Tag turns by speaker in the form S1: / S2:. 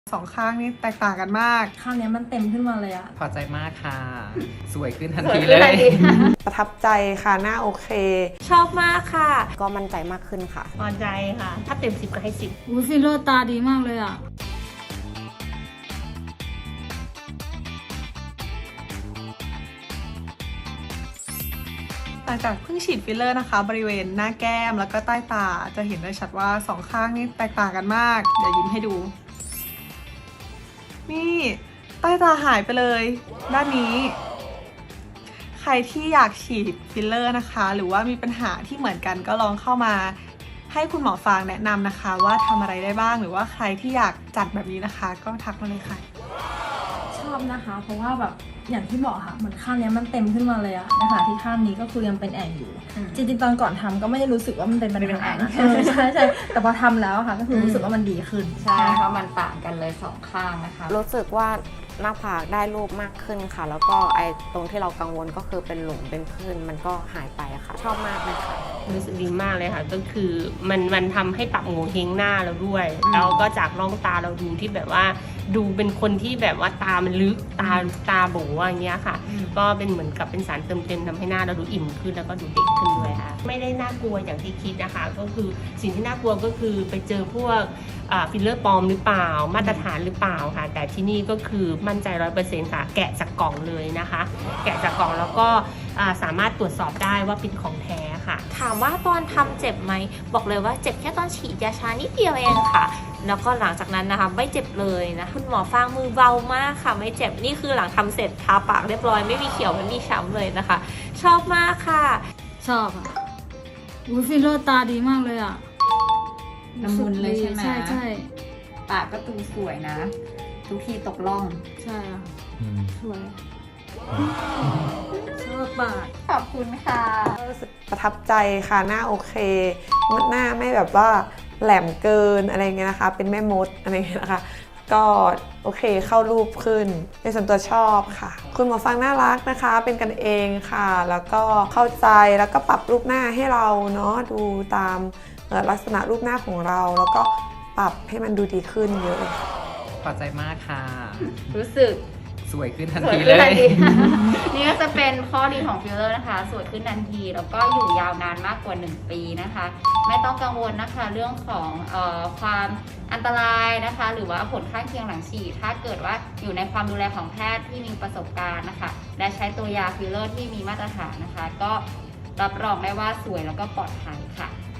S1: สองข้างนี่แตกต่างกันมาก
S2: ข้างนี้มันเต็มขึ้นมาเลยอะ
S3: พอใจมากค่ะ สวยขึ้นทันทีเลย
S1: ประทับใจค่ะหน้าโอเค
S4: ชอบมากค่ะ
S5: ก็มั่นใจมากขึ้นค่ะ
S4: พอใจค่ะ ถ้าเต็ม10ก็ให้10
S2: ฟิลเลอร์ตาดีมากเลยอะ
S1: หลังจากเพิ่งฉีดฟิลเลอร์นะคะบริเวณหน้าแก้มแล้วก็ใต้ตาจะเห็นได้ชัดว่าสองข้างนี่แตกต่างกันมากเดี๋ยวยิ้มให้ดู นี่ใต้ตาหายไปเลยด้านนี้ ใครที่อยากฉีดฟิลเลอร์นะคะหรือว่ามีปัญหาที่เหมือนกันก็ลองเข้ามาให้คุณหมอฟางแนะนำนะคะ ว่าทำอะไรได้บ้างหรือว่าใครที่อยากจัดแบบนี้นะคะ ก็ทักมาเลยค่ะ
S2: ชอบนะคะเพราะว่าแบบอย่างที่บอกค่ะเหมือนข้างนี้มันเต็มขึ้นมาเลยอะนะคะที่ข้างนี้ก็คือยังเป็นแอ่งอยู่จริงๆตอนก่อนทำก็ไม่ได้รู้สึกว่ามันเป็นปัญหานะใช่ใช่แต่พอทำแล้วค่ะก็คือรู้สึกว่ามันดีขึ้น
S6: ใช่เพราะมันต่างกันเลย2ข้างนะคะ
S5: รู้สึกว่าหน้าผากได้รูปมากขึ้นค่ะ แล้วก็ไอ้ตรงที่เรากังวลก็คือเป็นหลุมเป็นผื่นมันก็หายไปค่ะ ชอบมากเลยค่ะ
S7: รู้สึกดีมากเลยค่ะก็คือมันทำให้ปรับโงเฮงหน้าเราด้วยแล้วก็จากร่องตาเราดูที่แบบว่าดูเป็นคนที่แบบว่าตามันลึกตาโบอย่างเงี้ยค่ะก็เป็นเหมือนกับเป็นสารเติมเต็มทำให้หน้าเราดูอิ่มขึ้นแล้วก็ดูเด็กขึ้นด้วยค่ะไม่ได้น่ากลัวอย่างที่คิดนะคะก็คือสิ่งที่น่ากลัวก็คือไปเจอพวกฟิลเลอร์ปลอมหรือเปล่ามาตรฐานหรือเปล่าค่ะแต่ที่นี่ก็คือมั่นใจ 100% ค่ะแกะจากกล่องเลยนะคะแกะจากกล่องแล้วก็สามารถตรวจสอบได้ว่าเป็นของแท้ค่ะ
S4: ถามว่าตอนทำเจ็บไหมบอกเลยว่าเจ็บแค่ตอนฉีดยาชานิดเดียวเองค่ะแล้วก็หลังจากนั้นนะคะไม่เจ็บเลยนะคุณหมอฟางมือเบามากค่ะไม่เจ็บนี่คือหลังทำเสร็จทาปากเรียบร้อยไม่มีเขียวไม่มีช้ำเลยนะคะชอบมากค่ะ
S2: ชอบอะฟิลเลอร์ตาดีมากเลยอะ
S6: ละมุนเลยใช่ไหม
S2: ใช่ใช่
S6: ปากก็ตูสวยนะ ทุกทีตกล่อง
S2: ใช่อะสวยชอบปาก
S6: ขอบคุณค่ะ
S1: รู้สึกประทับใจค่ะหน้าโอเคหน้าไม่แบบว่าแหลมเกินอะไรเงี้ยนะคะเป็นแม่มดอะไรเงี้ยนะคะก็โอเคเข้ารูปขึ้นในส่วนตัวชอบค่ะคุณหมอฟังน่ารักนะคะเป็นกันเองค่ะแล้วก็เข้าใจแล้วก็ปรับรูปหน้าให้เราเนาะดูตามลักษณะรูปหน้าของเราแล้วก็ปรับให้มันดูดีขึ้นเยอะเลยค่ะ
S3: พอใจมากค่ะ
S6: รู้สึก
S3: สวยขึ้นทัน
S6: สวย
S3: ที
S6: ขึ้
S3: เล
S6: นทั
S3: ย
S6: นที นี่ก็จะเป็นข้อดีของฟิลเลอร์นะคะสวยขึ้นทันทีแล้วก็อยู่ยาวนานมากกว่า1 ปีนะคะไม่ต้องกังวลนะคะเรื่องของความอันตรายนะคะหรือว่าผลข้างเคียงหลังฉีดถ้าเกิดว่าอยู่ในความดูแลของแพทย์ที่มีประสบการณ์นะคะและใช้ตัวยาฟิลเลอร์ที่มีมาตรฐานนะคะก็รับรองได้ว่าสวยแล้วก็ปลอดภัยค่ะ